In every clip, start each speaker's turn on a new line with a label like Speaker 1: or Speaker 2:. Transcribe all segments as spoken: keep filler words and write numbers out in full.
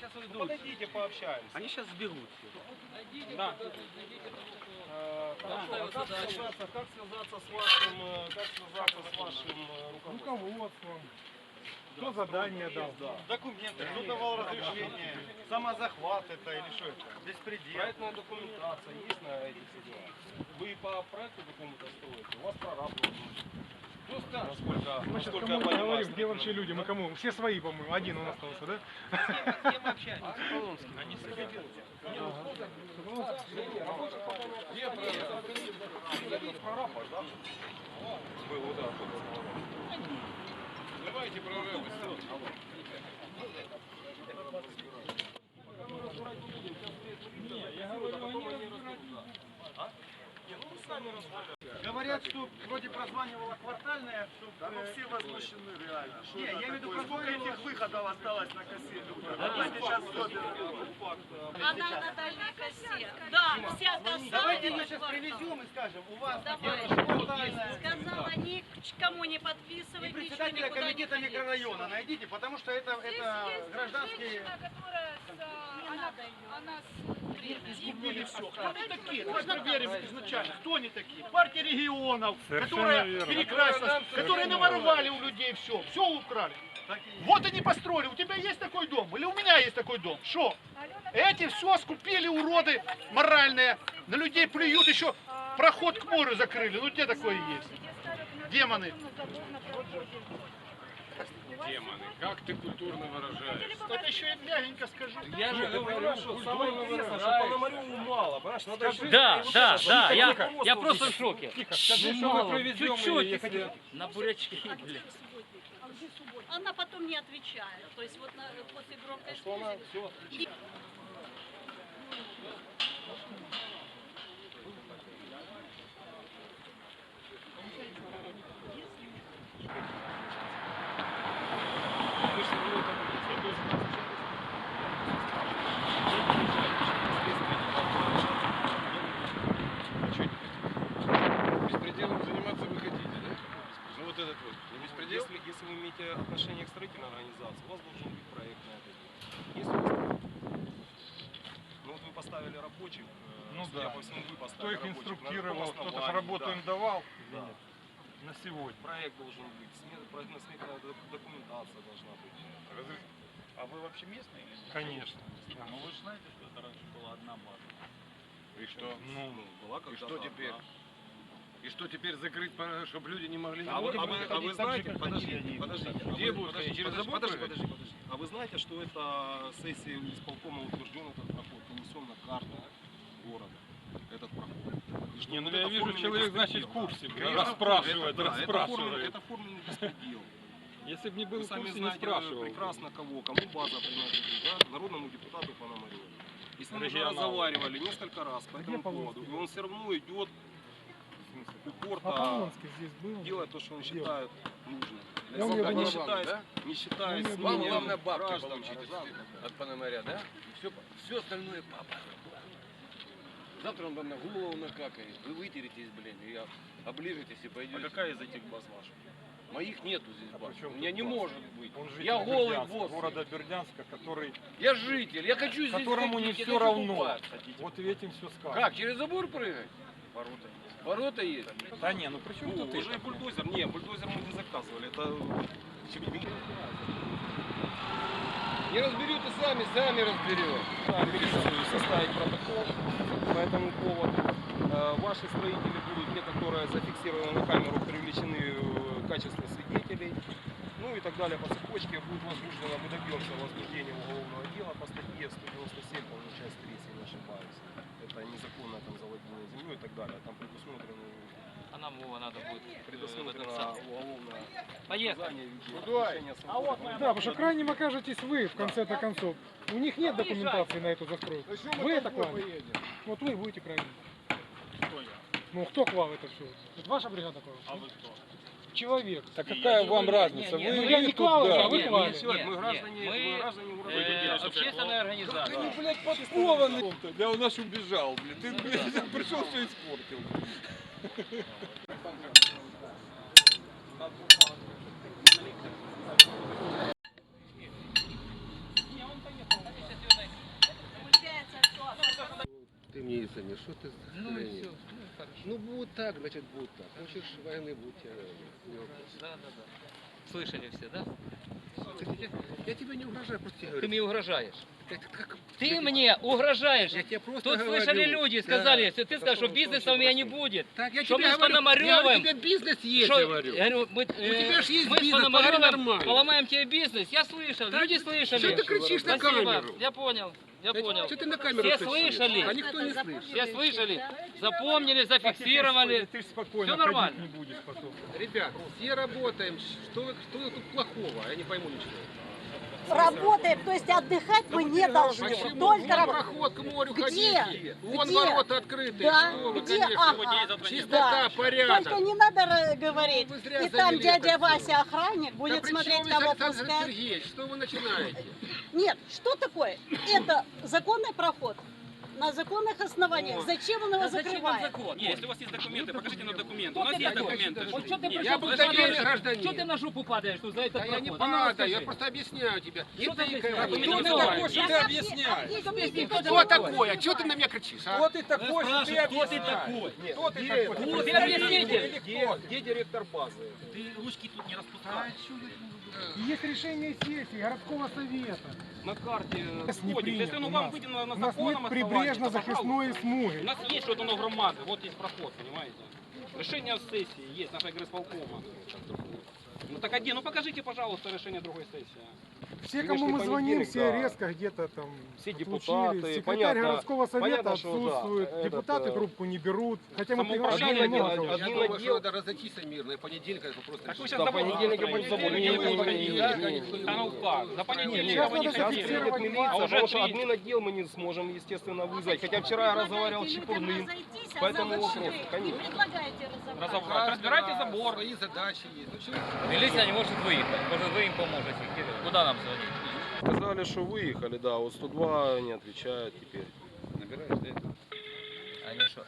Speaker 1: сейчас уйдут.
Speaker 2: Ну, подойдите, пообщаемся.
Speaker 1: Они сейчас сбегут.
Speaker 2: Да. Э, хорошо, а как связаться, как связаться с вашим, э, как связаться с вашим э, руководством?
Speaker 3: Руководством. Кто задание дал?
Speaker 2: Да.
Speaker 4: Документы, кто давал разрешение, самозахват это или что это? Беспредел.
Speaker 2: Проектная документация есть на эти все дела? Вы по проекту какому-то строите? У вас прораб должен быть. Ну, скажешь, насколько,
Speaker 3: Мы сейчас
Speaker 2: насколько
Speaker 3: кому
Speaker 2: я
Speaker 3: не
Speaker 2: понимаю,
Speaker 3: говорим, где вообще люди, мы кому? Все свои, по-моему, один он остался, да?
Speaker 1: С кем общаетесь? Они с
Speaker 2: прораб, да? Был удар. Давайте прорабы.
Speaker 4: Говорят, что вроде прозванивала квартальная, что да, ну все возмущены реально. Что
Speaker 2: Не,
Speaker 4: это
Speaker 2: я имею в виду,
Speaker 4: такое? Сколько этих выходов осталось на кассете?
Speaker 2: Давайте
Speaker 4: сейчас
Speaker 5: Она на дальней косе. Да, вся коса.
Speaker 4: Давайте ее
Speaker 5: это
Speaker 4: сейчас
Speaker 5: квартал.
Speaker 4: привезем и скажем, у вас
Speaker 5: Давай.
Speaker 4: квартальная.
Speaker 5: Сказала, никому не подписывай,
Speaker 4: И
Speaker 5: ничего
Speaker 4: председателя
Speaker 5: никуда не
Speaker 4: комитета
Speaker 5: ходи.
Speaker 4: микрорайона найдите, потому что это, это гражданские...
Speaker 5: Не надо ее.
Speaker 6: Она
Speaker 4: Изгубили все.
Speaker 6: Кто они такие?
Speaker 5: Можно
Speaker 6: Давай проверим
Speaker 5: так.
Speaker 6: изначально. Кто они такие? Партия регионов,
Speaker 3: Совершенно
Speaker 6: которая
Speaker 3: верно.
Speaker 6: перекрасилась, которые наворовали у людей все, все украли. Вот они построили. У тебя есть такой дом? Или у меня есть такой дом? Что? Эти все скупили, уроды моральные. На людей плюют, еще проход к морю закрыли. Ну где такое есть? Демоны.
Speaker 7: Демоны, как ты культурно выражаешься?
Speaker 6: Это еще и мягенько скажу.
Speaker 1: Я же говорю,
Speaker 2: что самое интересное, что Пономареву мало, понимаешь? Надо еще-
Speaker 1: Да,
Speaker 2: вот
Speaker 1: да,
Speaker 2: это,
Speaker 1: да,
Speaker 2: чтобы
Speaker 1: я,
Speaker 2: руководство
Speaker 1: я просто в
Speaker 2: здесь-
Speaker 1: шоке.
Speaker 3: Скажи,
Speaker 1: Ну
Speaker 3: что мы
Speaker 1: мало,
Speaker 3: проведем,
Speaker 1: чуть-чуть,
Speaker 3: и если-
Speaker 1: на бурячки, блин.
Speaker 5: Она потом не отвечает. То есть вот на, после громкой
Speaker 2: Что она
Speaker 5: связи.
Speaker 2: все
Speaker 5: И-
Speaker 7: Беспределом заниматься вы хотите, да? Ну вот этот вот, не беспредел?
Speaker 2: Если, если вы имеете отношение к строительной организации, у вас должен быть проект на это дело. Если у вас... Ну вот вы поставили рабочих, э,
Speaker 3: Ну
Speaker 2: судя
Speaker 3: да.
Speaker 2: по всему, вы
Speaker 3: Кто
Speaker 2: поставили
Speaker 3: их
Speaker 2: рабочих. На
Speaker 3: инструктировал,
Speaker 2: каком
Speaker 3: кто-то ж
Speaker 2: основании,
Speaker 3: работу
Speaker 2: да.
Speaker 3: им давал
Speaker 2: Да.
Speaker 3: на сегодня.
Speaker 2: Проект должен быть, смет- проектно-сметная док- документация должна быть.
Speaker 4: А вы вообще местные или нет?
Speaker 3: Конечно.
Speaker 4: Ну вы же знаете, что это раньше была одна база.
Speaker 7: И что?
Speaker 3: Ну,
Speaker 2: Ну, была
Speaker 7: И
Speaker 2: когда-то
Speaker 7: что теперь?
Speaker 2: одна.
Speaker 7: И что теперь закрыть, чтобы люди не могли...
Speaker 2: А вы, а вы- а вы
Speaker 4: ходить так
Speaker 2: знаете,
Speaker 4: же, как
Speaker 2: подождите,
Speaker 4: ходили они.
Speaker 2: подождите, а
Speaker 7: Где
Speaker 2: вы-
Speaker 7: будут
Speaker 2: подожди,
Speaker 7: ходить? Через
Speaker 2: подожди,
Speaker 7: забор
Speaker 2: подожди,
Speaker 7: прыгать?
Speaker 2: подожди, подожди. А вы знаете, что это сессия исполкома утвержден этот проход, нанесен на карту города, этот проход. И что
Speaker 3: Не, ну
Speaker 2: вот
Speaker 3: я
Speaker 2: это
Speaker 3: вижу,
Speaker 2: форменный
Speaker 3: человек, значит, в
Speaker 2: беспредел,
Speaker 3: курсе,
Speaker 2: да.
Speaker 3: блин,
Speaker 2: Конечно,
Speaker 3: расспрашивает,
Speaker 2: это, да, это
Speaker 3: расспрашивает.
Speaker 2: форменный- Это форменный беспредел.
Speaker 3: Если бы не был
Speaker 2: Вы
Speaker 3: в
Speaker 2: сами
Speaker 3: курсе, не
Speaker 2: знаете
Speaker 3: спрашивал.
Speaker 2: прекрасно кого, кому база принадлежит, да? Народному депутату Пономареву. И с ним уже
Speaker 3: Регионалу.
Speaker 2: разговаривали несколько раз по этому поводу. И он все равно идет упорно
Speaker 3: здесь был.
Speaker 2: делает то, что он считает нужным.
Speaker 3: Я у него
Speaker 2: не
Speaker 3: не-
Speaker 2: считает,
Speaker 7: да?
Speaker 2: не считает
Speaker 3: Я у него
Speaker 7: Вам
Speaker 2: мнением
Speaker 7: главное бабки
Speaker 2: граждан,
Speaker 7: получить
Speaker 2: горожан.
Speaker 7: от Пономаря, да? Все, все остальное папа. Завтра он вам на голову накакает, вы вытеретесь, блин, и оближетесь и
Speaker 2: А
Speaker 7: пойдете.
Speaker 2: какая из этих баз ваша?
Speaker 7: Моих нету здесь баз.
Speaker 3: причем
Speaker 7: У меня
Speaker 3: тут
Speaker 7: не
Speaker 3: баз?
Speaker 7: может быть.
Speaker 3: Он житель
Speaker 7: Я голый
Speaker 3: Бердянска,
Speaker 7: босс.
Speaker 3: города Бердянска, который,
Speaker 7: Я житель, я хочу здесь
Speaker 3: которому не
Speaker 7: ходить, я
Speaker 3: все
Speaker 7: хочу
Speaker 3: равно.
Speaker 7: купаться.
Speaker 3: Вот этим все сказано.
Speaker 7: Как, через забор прыгать?
Speaker 2: Ворота.
Speaker 7: Ворота есть.
Speaker 3: Да не, ну при чем
Speaker 2: О,
Speaker 3: тут
Speaker 2: уже
Speaker 3: это?
Speaker 2: бульдозер. Не, бульдозер мы не заказывали. Это
Speaker 7: Не разберете сами, сами разберете.
Speaker 2: рекомендую составить протокол по этому поводу. Э, Ваши строители будут, те, которые зафиксированы на камеру, привлечены э, в качестве свидетелей. Ну и так далее по цепочке. Будет возбуждено, мы добьемся возбуждения уголовного дела по статье сто девяносто семь, по-моему, часть три, если не ошибаюсь. Это незаконное там завладение землей и так далее. Там предусмотрено,
Speaker 1: А нам его надо будет э, в этот
Speaker 2: предусмотрено
Speaker 1: сам.
Speaker 2: уголовное
Speaker 1: Поехали.
Speaker 2: наказание в виде лишения свободы.
Speaker 3: Да, потому что крайним окажетесь вы в конце-то концов. У них нет документации на эту застройку. Вы это клали. Вот вы будете крайним. Ну кто клал это все? Это ваша бригада клала? А вы кто? Человек. Так какая вам разница?
Speaker 1: не,
Speaker 3: Вы
Speaker 1: ну,
Speaker 3: я не клал,
Speaker 1: Не,
Speaker 3: а вы
Speaker 1: не,
Speaker 3: клали.
Speaker 1: не,
Speaker 2: Человек, мы
Speaker 1: не,
Speaker 2: граждане,
Speaker 1: мы,
Speaker 2: мы граждане города.
Speaker 1: Э, общественная организация.
Speaker 7: Они, блядь, подкованы. Да он наш убежал, блин. Ты, блядь, пришел, все испортил. милиционер, что ты...
Speaker 1: Ну и все.
Speaker 7: Ну, будет так, значит, будет так. Хочешь войны, будь э, не вопрос.
Speaker 1: Да, да, да. Слышали все, да?
Speaker 7: Кстати, я, я тебе не угрожаю, просто тебе
Speaker 1: Ты
Speaker 7: говорю.
Speaker 1: мне угрожаешь.
Speaker 7: Как- как-
Speaker 1: Ты
Speaker 7: я-
Speaker 1: мне угрожаешь.
Speaker 7: Я тебе просто
Speaker 1: Тут
Speaker 7: говорю.
Speaker 1: слышали люди, сказали, что ты сказал, что бизнеса у меня не будет.
Speaker 7: Так, я
Speaker 1: Что
Speaker 7: тебе
Speaker 1: мы с
Speaker 7: говорю, я
Speaker 1: Пономарёвым-
Speaker 7: говорю, у тебя бизнес есть,
Speaker 1: Что-
Speaker 7: говорю.
Speaker 1: я говорю, мы,
Speaker 7: тебя ж есть
Speaker 1: мы с
Speaker 7: бизнес,
Speaker 1: Пономарёвым
Speaker 7: поговори нормально.
Speaker 1: поломаем тебе бизнес. Я слышал,
Speaker 7: Так,
Speaker 1: люди слышали.
Speaker 7: что ты кричишь на
Speaker 1: Спасибо.
Speaker 7: камеру?
Speaker 1: Я понял, я понял.
Speaker 7: Что ты на камеру
Speaker 1: Все
Speaker 7: кричишь?
Speaker 1: слышали.
Speaker 7: А никто не слышит.
Speaker 1: Все слышали, запомнили, зафиксировали.
Speaker 3: Ты ж спокойно
Speaker 1: Всё нормально.
Speaker 3: ходить не будешь потом.
Speaker 7: Ребят, все работаем. Что, вы- что тут плохого? Я не пойму ничего.
Speaker 5: Работаем, то есть отдыхать мы не должны.
Speaker 7: Почему?
Speaker 5: Только
Speaker 7: Вон
Speaker 5: работать.
Speaker 7: проход к морю
Speaker 5: Где?
Speaker 7: ходите. Вон
Speaker 5: Где?
Speaker 7: ворота открыты.
Speaker 5: Да,
Speaker 7: Что вы,
Speaker 5: где?
Speaker 7: конечно.
Speaker 5: Ага.
Speaker 7: Чистота,
Speaker 5: Да.
Speaker 7: порядок.
Speaker 5: Только не надо э, говорить.
Speaker 7: Ну, вы зря
Speaker 5: И там
Speaker 7: завели
Speaker 5: дядя
Speaker 7: это
Speaker 5: Вася,
Speaker 7: всё.
Speaker 5: охранник,
Speaker 7: Да
Speaker 5: будет
Speaker 7: при
Speaker 5: смотреть,
Speaker 7: чем здесь
Speaker 5: кого
Speaker 7: Александр
Speaker 5: пускать.
Speaker 7: Сергеевич? Что вы начинаете?
Speaker 5: Нет, что такое? Это законный проход. На законных основаниях.
Speaker 7: О.
Speaker 5: Зачем он его
Speaker 1: Да зачем он
Speaker 5: закрывает?
Speaker 1: закон?
Speaker 8: Нет, если у вас есть документы, покажите нам документы.
Speaker 1: Кто
Speaker 8: У нас
Speaker 1: ты
Speaker 8: есть
Speaker 1: такой?
Speaker 8: документы.
Speaker 1: Вот что ты
Speaker 8: Нет,
Speaker 1: пришел,
Speaker 7: Я
Speaker 1: ты
Speaker 7: обыкновенный
Speaker 1: падаешь?
Speaker 7: гражданин.
Speaker 1: Что ты на жопу падаешь тут за этот
Speaker 7: Да я не
Speaker 1: проход? А ну,
Speaker 7: падаю, я
Speaker 1: расскажи.
Speaker 7: просто объясняю тебе.
Speaker 1: Что
Speaker 7: Не
Speaker 1: ты
Speaker 7: тыкай.
Speaker 1: объясняешь?
Speaker 7: Кто
Speaker 1: Кто
Speaker 7: ты
Speaker 1: ты
Speaker 7: такой,
Speaker 1: такой,
Speaker 7: что
Speaker 1: что
Speaker 7: ты
Speaker 1: ты
Speaker 7: объясняешь?
Speaker 1: Объясни, кто
Speaker 7: Кто такой? А что ты на меня кричишь, а?
Speaker 2: Кто ты такой, что ты
Speaker 1: Кто ты такой?
Speaker 2: Кто ты такой?
Speaker 1: Ты объясните.
Speaker 2: Где, где директор базы?
Speaker 1: Ты ручки тут не распускай.
Speaker 3: Есть решение сессии городского совета.
Speaker 8: на карте
Speaker 3: Нас не
Speaker 8: входит. Если
Speaker 3: принято
Speaker 8: оно
Speaker 3: у
Speaker 8: вам
Speaker 3: нас.
Speaker 8: выделено на
Speaker 3: У нас нет
Speaker 8: законном основании, то,
Speaker 3: прибрежно-захисной
Speaker 8: пожалуйста. У
Speaker 3: смуги.
Speaker 8: нас есть что-то на громады, вот есть проход, понимаете? Решение сессии есть, нашей горисполкома. Ну так один, ну покажите, пожалуйста, решение другой сессии.
Speaker 3: Все,
Speaker 2: Сегодняшний
Speaker 3: кому мы звоним,
Speaker 2: понедельник,
Speaker 3: все
Speaker 2: да.
Speaker 3: резко где-то там
Speaker 2: Все
Speaker 3: отлучились.
Speaker 2: депутаты,
Speaker 3: Секретарь
Speaker 2: понятно,
Speaker 3: городского совета
Speaker 2: понятно, что, да,
Speaker 3: отсутствует,
Speaker 2: этот,
Speaker 3: депутаты
Speaker 2: э,
Speaker 3: трубку не берут. Хотя мы
Speaker 8: самоуправление
Speaker 3: приглашали много
Speaker 8: делать,
Speaker 3: кого.
Speaker 7: Я
Speaker 2: Один
Speaker 7: думаю,
Speaker 2: отдел-
Speaker 7: что надо разойтись мирно, и понедельник это просто...
Speaker 8: Так вы
Speaker 7: решить.
Speaker 8: сейчас
Speaker 2: До
Speaker 8: забор
Speaker 2: понедельника
Speaker 8: построите.
Speaker 2: будет забор.
Speaker 8: Не,
Speaker 2: Не,
Speaker 8: не,
Speaker 2: не, не,
Speaker 8: не,
Speaker 2: не,
Speaker 8: да?
Speaker 2: не, не, не.
Speaker 8: Да ну как, до понедельника
Speaker 3: Сейчас
Speaker 8: вы
Speaker 3: надо
Speaker 8: не
Speaker 2: Сейчас
Speaker 8: хотите.
Speaker 2: приедет
Speaker 3: зафиксировать
Speaker 2: милиция,
Speaker 8: А уже
Speaker 2: потому что
Speaker 8: три.
Speaker 2: админ отдел мы не сможем, естественно, вызвать. Хотя вчера я разговаривал с Чепурным по этому вопросу, конечно.
Speaker 5: Предлагаете разобрать.
Speaker 8: Разобрать. Разбирайте забор.
Speaker 7: Свои задачи есть. Ну, чего?
Speaker 1: Милиция не может выехать. Может, вы им поможете. Куда нам звонить?
Speaker 2: Сказали, что выехали, да, вот сто два не отвечает теперь.
Speaker 7: Набираешь, да?
Speaker 1: Они что?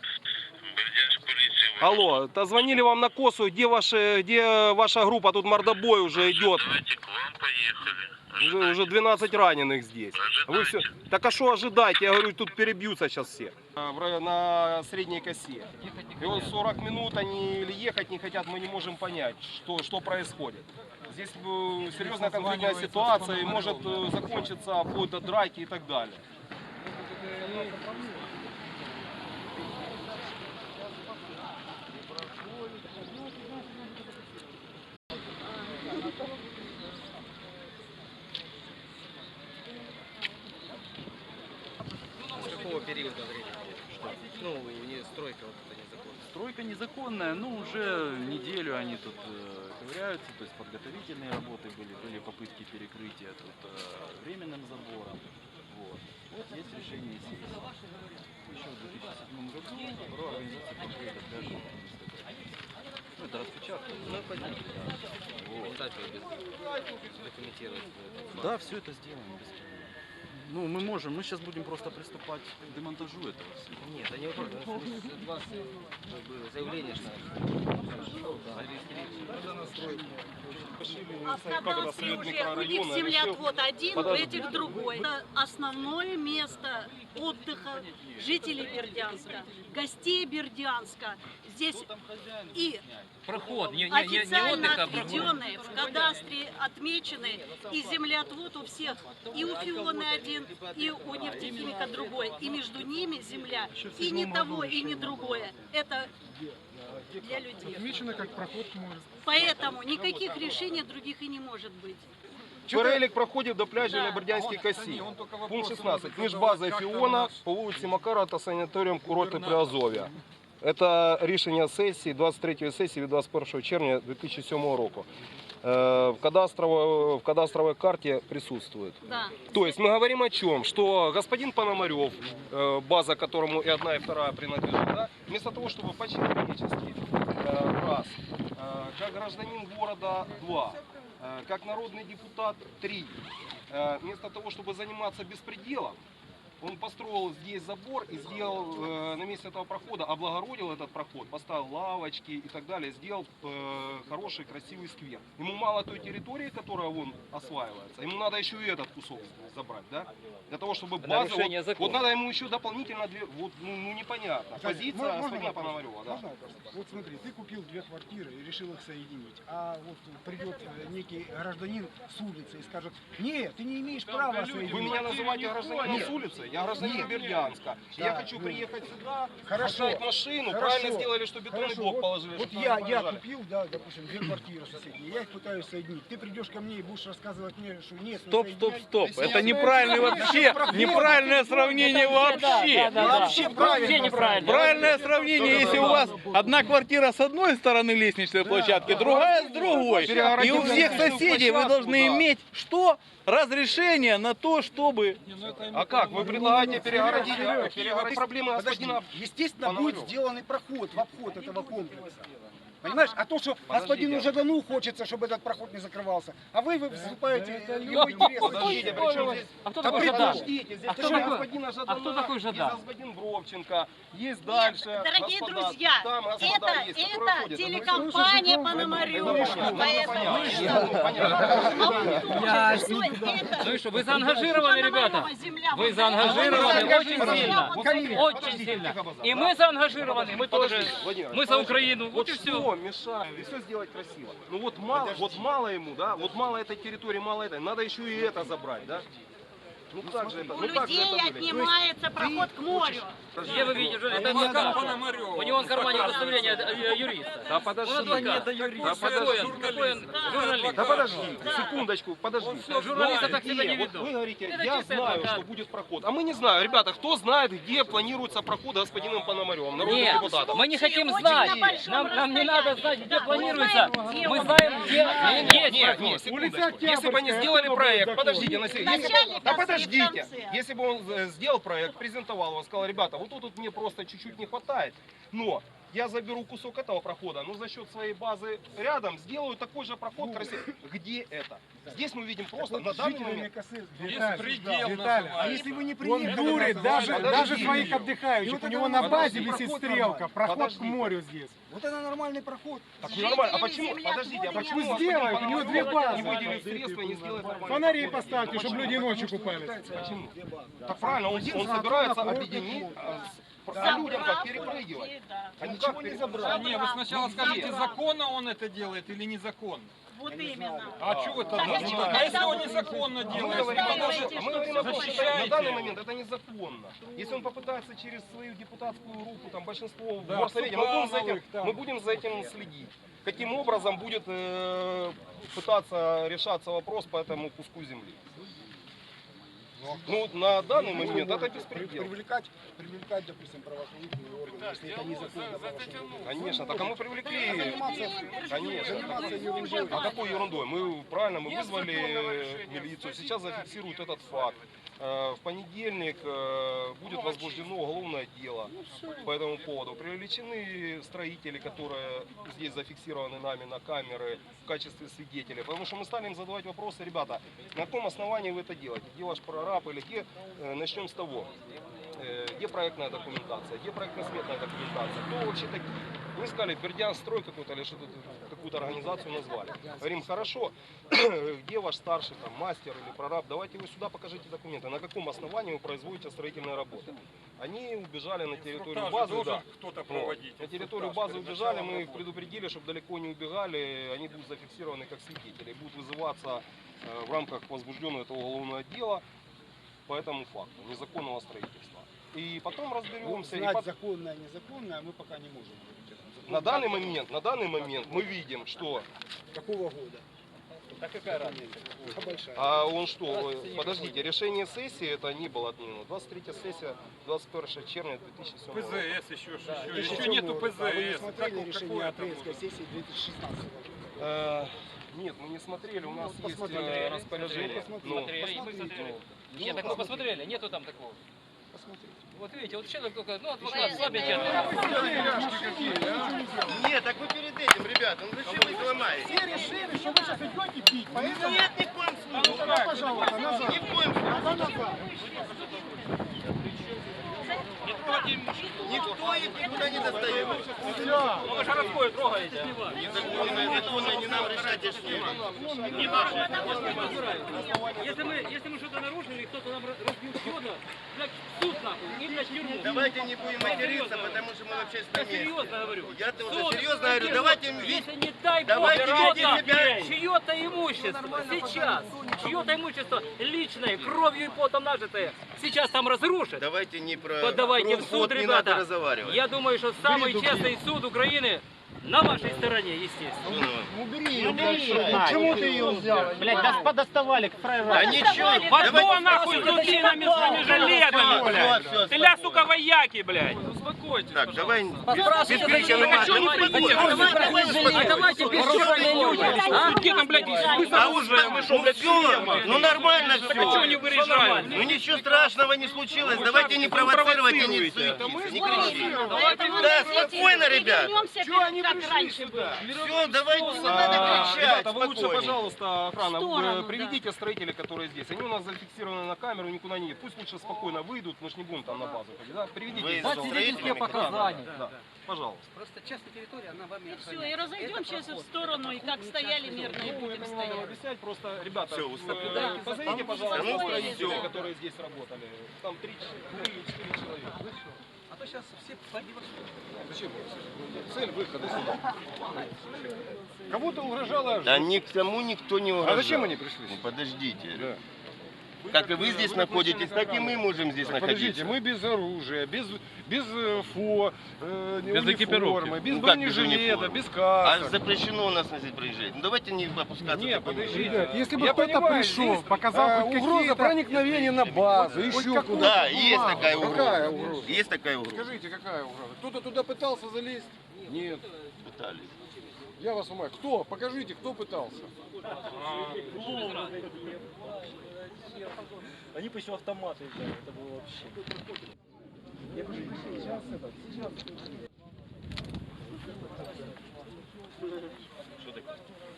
Speaker 2: Алло, то звонили вам на Косу, где, ваши, где ваша группа, тут мордобой уже идет.
Speaker 9: Давайте к вам поехали.
Speaker 2: Уже, уже двенадцать раненых здесь. Вы все... Так а что ожидать? Я говорю, тут перебьются сейчас все. А, в районе- На средней косе. И вот сорок минут они или ехать не хотят, мы не можем понять, что, что происходит. Здесь э, серьезная конфликтная ситуация и может э, закончиться вплоть до драки и так далее.
Speaker 7: С какого периода времени? Ну, не стройка вот эта незаконная.
Speaker 10: Стройка незаконная, ну уже неделю они тут э, ковыряются, то есть подготовительные работы были, были попытки перекрытия тут э, временным забором. Вот. Вот есть решение сессии. Еще в две тысячи седьмом году про организацию контроля пляжа. Ну это распечатка.
Speaker 7: Ну, понятно.
Speaker 10: Вот.
Speaker 7: Так, без документировать.
Speaker 10: Да, все это сделаем без проблем. Ну, мы можем, мы сейчас будем просто приступать к демонтажу этого всего.
Speaker 7: Нет, они вот от вас как бы заявление, что
Speaker 5: А в кадастре уже у них землеотвод один, у этих другой. Это основное место отдыха жителей Бердянска, гостей Бердянска. Здесь и
Speaker 1: Проход, не, не, не, не
Speaker 5: официально
Speaker 1: отдых, а проход.
Speaker 5: отведенные, в кадастре отмечены, и землеотвод у всех, и у Фионы один, и у нефтехимика другой, и между ними земля, и не того, и не другое. Это для людей.
Speaker 3: Отмечено как проход к морю.
Speaker 5: Поэтому никаких решений других и не может быть.
Speaker 2: Перелік проходів до пляжу
Speaker 5: Да.
Speaker 2: на Бердянській косі. Пункт шістнадцять. Між базою Фіона по вулиці Макара та санаторієм курорту Приазов'я. Це рішення сесії, двадцять третьої сесії від двадцять першого червня дві тисячі сьомого року. Э, В кадастровой, в кадастровой карте присутствует.
Speaker 5: Да.
Speaker 2: То есть мы говорим о чем? Что господин Пономарев, э, база которому и одна, и вторая принадлежит, да, вместо того, чтобы по-человечески, э, раз, э, как гражданин города, два, э, как народный депутат, три, э, вместо того, чтобы заниматься беспределом, Он построил здесь забор и сделал э, на месте этого прохода, облагородил этот проход, поставил лавочки и так далее, сделал э, хороший красивый сквер. Ему мало той территории, которая вон осваивается, ему надо еще и этот кусок забрать, да? Для того, чтобы база... Вот, вот надо ему еще дополнительно две... Вот, ну, ну непонятно. Позиция господина Пономарева, да.
Speaker 11: Можно вопрос? Вот смотри, ты купил две квартиры и решил их соединить, а вот придет некий гражданин с улицы и скажет: нет, ты не имеешь права соединить.
Speaker 2: Вы меня называете гражданином с улицы? Я гражданин
Speaker 11: Нет.
Speaker 2: Бердянска.
Speaker 11: Да,
Speaker 2: Я хочу
Speaker 11: ну,
Speaker 2: приехать сюда,
Speaker 11: хорошо,
Speaker 2: поставить машину,
Speaker 11: хорошо,
Speaker 2: правильно сделали, что бетонный
Speaker 11: хорошо,
Speaker 2: блок
Speaker 11: вот,
Speaker 2: положили.
Speaker 11: Вот
Speaker 2: чтобы
Speaker 11: я,
Speaker 2: там не
Speaker 11: я
Speaker 2: проезжали.
Speaker 11: купил, да, допустим, две квартиры соседние, я их пытаюсь соединить. Ты придешь ко мне и будешь рассказывать мне, что нет,
Speaker 12: Стоп,
Speaker 11: не
Speaker 12: стоп,
Speaker 11: соединяй.
Speaker 12: стоп. Это неправильное вообще, неправильное сравнение вообще.
Speaker 11: Вообще правильно.
Speaker 12: Правильное сравнение, если у вас одна квартира с одной стороны лестничной площадки, другая с другой. И у всех соседей вы должны иметь что? Разрешение на то, чтобы...
Speaker 2: А как? Вы предлагаете перегородить, перегородить проблемы
Speaker 11: Подожди,
Speaker 2: господина...
Speaker 11: естественно,
Speaker 2: Пономарева.
Speaker 11: будет сделанный проход в обход этого комплекса. Понимаешь? А то, что
Speaker 2: Подождите.
Speaker 11: господину Жадану хочется, чтобы этот проход не закрывался, а вы, вы вступаете в его интересы.
Speaker 2: Подождите, при чем здесь...
Speaker 8: А кто
Speaker 11: Да
Speaker 8: такой
Speaker 11: придурок.
Speaker 8: Жадан?
Speaker 2: Подождите, здесь
Speaker 8: А кто
Speaker 2: есть
Speaker 8: такой-
Speaker 2: господина Жадана,
Speaker 8: а кто такой Жадан?
Speaker 2: есть господин Бровченко, есть дальше.
Speaker 5: Дорогие
Speaker 2: господа,
Speaker 5: друзья,
Speaker 2: там господа
Speaker 5: это,
Speaker 2: есть, которые
Speaker 5: это
Speaker 2: ходят.
Speaker 5: телекомпания Пономарева. Поэтому
Speaker 8: Ну и что, вы заангажированы, ребята? Вы заангажированы очень сильно. Очень сильно. И мы заангажированы, мы тоже.
Speaker 2: Владимир,
Speaker 8: Мы за Украину.
Speaker 2: Вот
Speaker 8: Вот и
Speaker 2: что
Speaker 8: все.
Speaker 2: мешает все сделать красиво. Ну вот мало, вот мало ему, да, вот мало этой территории, мало этой, надо еще и это забрать, да? Ну как же это?
Speaker 5: у
Speaker 2: Ну как же
Speaker 5: людей
Speaker 2: это будет?
Speaker 5: отнимается проход к морю.
Speaker 8: Где вы видите, что это адвокат? У него в кармане удостоверение э, юриста.
Speaker 2: Да
Speaker 8: Он
Speaker 2: подожди.
Speaker 8: адвокат.
Speaker 2: Да
Speaker 8: Какой
Speaker 2: подожди.
Speaker 8: он? Какой он журналист?
Speaker 2: Да подожди, секундочку, подожди.
Speaker 8: Журналисты
Speaker 2: Но
Speaker 8: так себя не
Speaker 2: где? Вот
Speaker 8: ведут.
Speaker 2: вы говорите,
Speaker 8: Это
Speaker 2: я
Speaker 8: чистый
Speaker 2: знаю,
Speaker 8: адвокат.
Speaker 2: что будет проход. А мы не знаем. Ребята, кто знает, где планируется проход господином Пономаревым, народным
Speaker 8: Нет,
Speaker 2: депутатом?
Speaker 8: мы не хотим
Speaker 5: Очень
Speaker 8: знать.
Speaker 5: на большом
Speaker 8: Нам, нам не надо знать, где
Speaker 5: Да,
Speaker 8: планируется.
Speaker 5: мы знаем, где
Speaker 8: Мы
Speaker 5: он.
Speaker 8: знаем, где есть
Speaker 2: Нет,
Speaker 8: проход.
Speaker 2: нет, секундочку. Если бы они сделали проект, подождите, на секунду. Если бы-
Speaker 5: Начальник,
Speaker 2: Да
Speaker 5: а в
Speaker 2: подождите.
Speaker 5: конце.
Speaker 2: Если бы он э, сделал проект, презентовал его, сказал: ребята, вот тут вот мне просто чуть-чуть не хватает, но я заберу кусок этого прохода, но за счет своей базы рядом сделаю такой же проход красивый. Где это? Здесь мы видим просто на данный момент.
Speaker 3: Виталий,
Speaker 11: А если вы не
Speaker 3: он
Speaker 11: приедете,
Speaker 3: дурит даже,
Speaker 2: Подожди.
Speaker 3: даже своих
Speaker 11: И
Speaker 3: отдыхающих.
Speaker 11: вот
Speaker 3: У
Speaker 11: это
Speaker 3: него
Speaker 11: вот
Speaker 3: на
Speaker 11: подожди,
Speaker 3: базе висит
Speaker 11: проход
Speaker 3: стрелка,
Speaker 11: нормальный.
Speaker 3: проход к
Speaker 2: Подождите.
Speaker 3: морю здесь.
Speaker 11: вот это нормальный проход.
Speaker 2: Так нормально. А
Speaker 5: Жители
Speaker 2: почему?
Speaker 5: земля
Speaker 2: Подождите, а
Speaker 5: отвода
Speaker 2: почему
Speaker 5: не
Speaker 2: господин
Speaker 3: сделают? У него две
Speaker 2: Пономарев
Speaker 3: базы.
Speaker 2: не выделит средства и не сделает нормально?
Speaker 3: Фонари поставьте, чтобы люди ночью купались.
Speaker 2: Почему? Так правильно, он, он собирается объединить, а, с- по людям как перепрыгивать. А ничего не забрать.
Speaker 5: Не, вы сначала скажите,
Speaker 4: законно он это делает или незаконно?
Speaker 5: Вот именно.
Speaker 4: А что это?
Speaker 5: Так, а чего
Speaker 4: А если
Speaker 5: тогда
Speaker 4: он
Speaker 5: вы-
Speaker 4: незаконно
Speaker 2: А мы
Speaker 4: делает?
Speaker 2: говорим, о том,
Speaker 5: Настаиваете,
Speaker 2: что- а мы
Speaker 5: что
Speaker 2: говорим о том, что
Speaker 4: защищаете.
Speaker 2: на данный момент это незаконно. Если он попытается через свою депутатскую руку, там большинство в
Speaker 4: Да,
Speaker 2: горсовете, мы будем, за этим,
Speaker 3: Супрановых, там.
Speaker 2: мы будем за этим следить. Каким образом будет э, пытаться решаться вопрос по этому куску земли. Ну, на данный момент это беспредел.
Speaker 11: Привлекать, привлекать, допустим, правоохранительные органы, если это незаконно. правоохранительные.
Speaker 2: Конечно, так а мы привлекли,
Speaker 11: Заниматься,
Speaker 2: конечно.
Speaker 11: заниматься ерундой.
Speaker 2: А какой ерундой? Мы правильно, мы вызвали милицию, сейчас зафиксируют этот факт. Э, В понедельник э, будет возбуждено уголовное дело по этому поводу. Привлечены строители, которые здесь зафиксированы нами на камеры в качестве свидетелей. Потому что мы стали им задавать вопросы: ребята, на каком основании вы это делаете? Где ваш прораб или где? Э, Начнем с того. Э, Где проектная документация, где проектно-сметная документация, кто вообще такие? Мы сказали, Бердянстрой какой-то или что-то, какую-то организацию назвали. Говорим, хорошо, где ваш старший там мастер или прораб, давайте вы сюда покажите документы, на каком основании вы производите строительные работы. Они убежали на территорию базы, да.
Speaker 4: кто-то
Speaker 2: Вот. На территорию базы убежали, мы их предупредили, чтобы далеко не убегали, они будут зафиксированы как свидетели, будут вызываться э, в рамках возбужденного этого уголовного дела по этому факту незаконного строительства. И потом разберемся. И
Speaker 11: Знать
Speaker 2: пот-
Speaker 11: законное, незаконное мы пока не можем.
Speaker 2: На данный момент, на данный момент мы видим, что...
Speaker 11: Какого года?
Speaker 8: Да какая разница?
Speaker 11: А большая.
Speaker 2: А он что, э, подождите, решение сессии это не было отменено. двадцать третья сессия, двадцать первого червня две тысячи седьмого года.
Speaker 4: ПЗС еще,
Speaker 8: Да.
Speaker 4: еще,
Speaker 11: Еще
Speaker 4: еще нету
Speaker 11: А вы не
Speaker 4: ПЗС.
Speaker 11: смотрели
Speaker 4: Как-
Speaker 11: решение
Speaker 4: какое это
Speaker 11: апрельской
Speaker 4: может?
Speaker 11: сессии две тысячи шестнадцатого года?
Speaker 2: Э, Нет, мы не смотрели, у нас есть
Speaker 11: посмотрели.
Speaker 2: э, распоряжение.
Speaker 11: Посмотрели.
Speaker 2: Ну,
Speaker 8: Смотрели, и мы
Speaker 11: посмотрите.
Speaker 8: смотрели.
Speaker 11: Ну,
Speaker 8: Нет, так мы посмотрели, нету там такого.
Speaker 11: Посмотрите.
Speaker 8: Вот видите, вот человек только, ну, адвокат слабенький.
Speaker 4: Нет, так вы перед этим, ребята, ну зачем вы их ломаете?
Speaker 3: Все решили, что вы сейчас идете пить, поэтому...
Speaker 4: Нет, ни в коем
Speaker 3: Ну, тогда, пожалуйста, назад.
Speaker 4: Ни в коем случае.
Speaker 3: Тогда назад.
Speaker 8: вы трогаете?
Speaker 4: Не нам решать,
Speaker 8: Не Если мы, если мы что-то нарушили, кто-то нам разбил счета, блядь, суд нахуй, не блядь, тюрьму.
Speaker 4: Давайте не будем материться, потому что мы вообще
Speaker 8: Я серьезно говорю.
Speaker 4: Я тоже
Speaker 8: Суд,
Speaker 4: серьезно говорю, давайте
Speaker 8: если не дай
Speaker 4: давайте
Speaker 8: Бог,
Speaker 4: вести себя.
Speaker 8: чье-то имущество сейчас, чье-то имущество личное, кровью и потом нажитое, сейчас там разрушит.
Speaker 4: Давайте не про
Speaker 8: Подавайте в суд,
Speaker 4: не надо
Speaker 8: ребята.
Speaker 4: разговаривать.
Speaker 8: Я думаю, что самый честный суд Украины на вашей стороне, естественно.
Speaker 4: Убери
Speaker 8: ее,
Speaker 4: Почему ты ее взял?
Speaker 8: Блядь, да подоставали к фраеру.
Speaker 4: Да ничего.
Speaker 8: Потом нахуй с дубинами, с вами жилетами, блядь. Ты ля, сука, вояки, блядь.
Speaker 4: Успокойтесь. Так, давай без
Speaker 8: крика на мат. А давайте бесчёрные люди. Где там, блядь,
Speaker 4: А уже, мы что, блядь, все? Ну нормально все.
Speaker 8: А что не выезжаем?
Speaker 4: Ну ничего страшного не случилось. Давайте не провоцировать и не суетитесь, не кричите. Да, спокойно, ребят.
Speaker 5: Чего они как раньше было?
Speaker 4: Все, давайте не надо кричать.
Speaker 2: Ребята, вы лучше,
Speaker 4: спокойнее.
Speaker 2: пожалуйста, охрана,
Speaker 5: В сторону,
Speaker 2: э, приведите строителей, которые здесь. Они у нас зафиксированы на камеру, никуда не едут. Пусть лучше спокойно выйдут, мы ж не будем там на базу ходить. Да? Приведите
Speaker 4: Вы
Speaker 2: их, пожалуйста.
Speaker 4: строителями
Speaker 2: показания. Да. Пожалуйста.
Speaker 8: Просто частная территория, она вами
Speaker 5: И все, и разойдемся в сторону, и как стояли мирно, и
Speaker 2: Ну,
Speaker 5: будем
Speaker 2: это не надо
Speaker 5: стоять.
Speaker 2: объяснять, просто, ребята,
Speaker 4: Всё,
Speaker 2: э,
Speaker 4: уступите.
Speaker 2: позовите, пожалуйста,
Speaker 4: Ну,
Speaker 2: строителей,
Speaker 4: всё.
Speaker 2: которые здесь работали. Там три или четыре человека.
Speaker 8: А то сейчас все погибли.
Speaker 2: Зачем? Цель выхода сюда. Кому-то угрожала
Speaker 4: Да никому никто не угрожал.
Speaker 2: А зачем они пришли?
Speaker 4: Ну, подождите.
Speaker 2: Да.
Speaker 4: Как и вы здесь находитесь, так и мы можем здесь
Speaker 2: Подождите,
Speaker 4: находиться.
Speaker 2: мы без оружия, без, без э, фо, э,
Speaker 12: Без
Speaker 2: униформы,
Speaker 12: экипировки.
Speaker 2: без
Speaker 4: Ну, как без
Speaker 2: бронежилета,
Speaker 4: униформы?
Speaker 2: без
Speaker 4: А
Speaker 2: касок.
Speaker 4: запрещено у нас здесь проезжать. Ну давайте не опускаться.
Speaker 2: Нет,
Speaker 4: таким
Speaker 2: подождите.
Speaker 3: Ребят, если бы
Speaker 2: Я
Speaker 3: кто-то
Speaker 2: понимаю,
Speaker 3: пришел,
Speaker 2: здесь,
Speaker 3: показал
Speaker 2: э,
Speaker 3: хоть
Speaker 2: угроза
Speaker 3: какие-то...
Speaker 2: проникновения на базу, еще куда.
Speaker 4: Да, есть такая угроза.
Speaker 2: Какая угроза?
Speaker 4: Есть такая угроза.
Speaker 2: Скажите, какая угроза? Кто-то туда пытался залезть? Нет.
Speaker 4: Пытались.
Speaker 2: Я вас умоляю. Кто? Покажите, кто пытался.
Speaker 11: Они по еще автоматы взяли, это было вообще. Я говорю, сейчас это, сейчас.
Speaker 4: Что такое?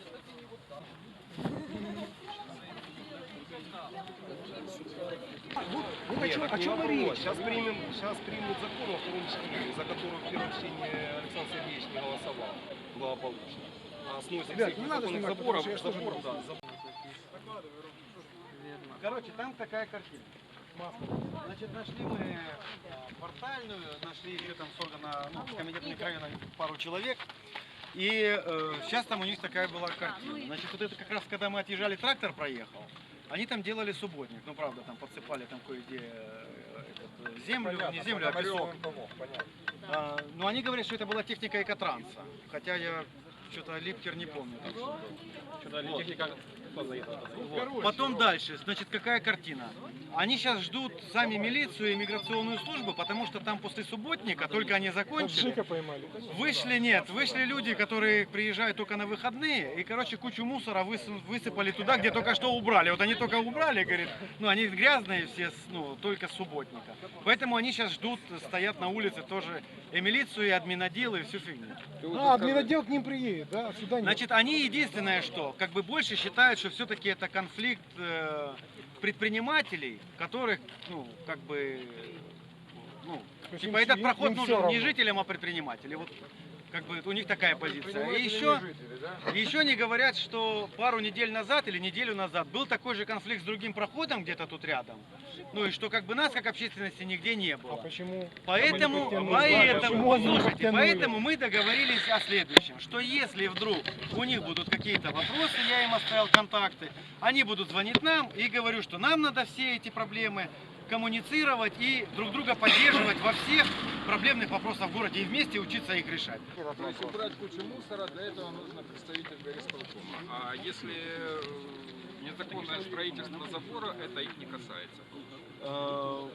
Speaker 11: Ну, о
Speaker 2: Нет,
Speaker 11: чем,
Speaker 2: так
Speaker 11: о
Speaker 2: не
Speaker 11: чем
Speaker 2: вопрос.
Speaker 11: речь?
Speaker 2: Сейчас примем, сейчас примут закон во втором чтении, за который в первом чтении Александр Сергеевич не голосовал благополучно. А сносит
Speaker 11: Ребят,
Speaker 2: всех
Speaker 11: не надо
Speaker 2: незаконных
Speaker 11: снимать,
Speaker 2: заборов,
Speaker 11: потому что я
Speaker 2: заборов,
Speaker 11: тоже
Speaker 2: да, заборов.
Speaker 11: Короче, там такая картина. Значит, нашли мы портальную, нашли еще там создано, ну, с комитета микрорайона пару человек. И э, сейчас там у них такая была картина. Значит, вот это как раз, когда мы отъезжали, трактор проехал, они там делали субботник. Ну, правда, там подсыпали там кое-где э, этот, землю, не землю, а песок. А, но они говорят, что это была техника экотранса. Хотя я что-то Липкер не помню. Там, что
Speaker 2: Что-то техника кто заехал?
Speaker 11: Вот. Потом дальше, значит, какая картина? Они сейчас ждут сами милицию и миграционную службу, потому что там после субботника, только они закончили,
Speaker 3: Жика поймали.
Speaker 11: вышли, нет, вышли люди, которые приезжают только на выходные, и, короче, кучу мусора выс- высыпали туда, где только что убрали. Вот они только убрали, говорит, ну, они грязные все, с- ну, только с субботника. Поэтому они сейчас ждут, стоят на улице тоже и милицию, и админотдел, и всю фигню.
Speaker 3: А, админотдел к ним приедет, да? Сюда нет.
Speaker 11: Значит, они единственное, что как бы больше считают, что все-таки это конфликт э, предпринимателей, которых, ну, как бы, ну,
Speaker 3: есть
Speaker 11: типа
Speaker 3: им-
Speaker 11: этот
Speaker 3: им-
Speaker 11: проход
Speaker 3: им всё
Speaker 11: нужен не
Speaker 3: равно.
Speaker 11: жителям, а предпринимателям. Вот как бы у них такая позиция. И еще, и еще они говорят, что пару недель назад или неделю назад был такой же конфликт с другим проходом где-то тут рядом. Ну и что как бы нас как общественности нигде не было.
Speaker 3: А почему?
Speaker 11: Поэтому,
Speaker 3: Почему
Speaker 11: поэтому,
Speaker 3: они не
Speaker 11: послушайте,
Speaker 3: подтянули?
Speaker 11: поэтому мы договорились о следующем, что если вдруг у них будут какие-то вопросы, я им оставил контакты, они будут звонить нам и говорю, что нам надо все эти проблемы коммуницировать и друг друга поддерживать во всех проблемных вопросах в городе и вместе учиться их решать.
Speaker 2: То есть убрать кучу мусора, для этого нужно представитель горисполкома. А если э, незаконное строительство забора, это их не касается?
Speaker 11: Э,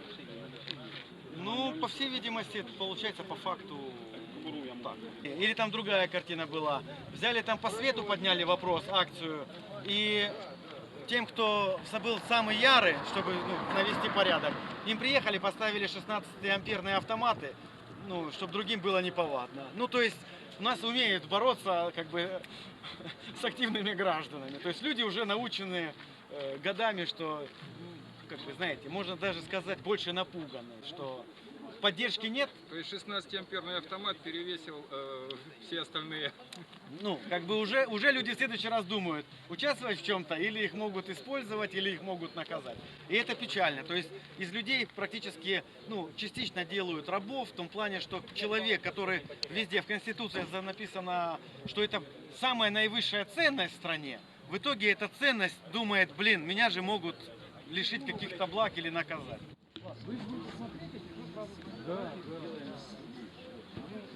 Speaker 11: Ну, по всей видимости, это получается по факту так. Или там другая картина была. Взяли там по свету, подняли вопрос, акцию, и тем, кто был самый ярый, чтобы ну, навести порядок, им приехали, поставили шестнадцатиамперные автоматы, ну, чтобы другим было неповадно. Ну, то есть у нас умеют бороться как бы с активными гражданами. То есть люди уже научены э, годами, что, ну, как вы знаете, можно даже сказать, больше напуганы, что поддержки нет.
Speaker 13: То есть шестнадцатиамперный автомат перевесил э, все остальные.
Speaker 11: Ну, как бы уже, уже люди в следующий раз думают, участвовать в чем-то, или их могут использовать, или их могут наказать. И это печально. То есть из людей практически, ну, частично делают рабов, в том плане, что человек, который везде в Конституции написано, что это самая наивысшая ценность в стране, в итоге эта ценность думает, блин, меня же могут лишить каких-то благ или наказать.
Speaker 3: Да, да.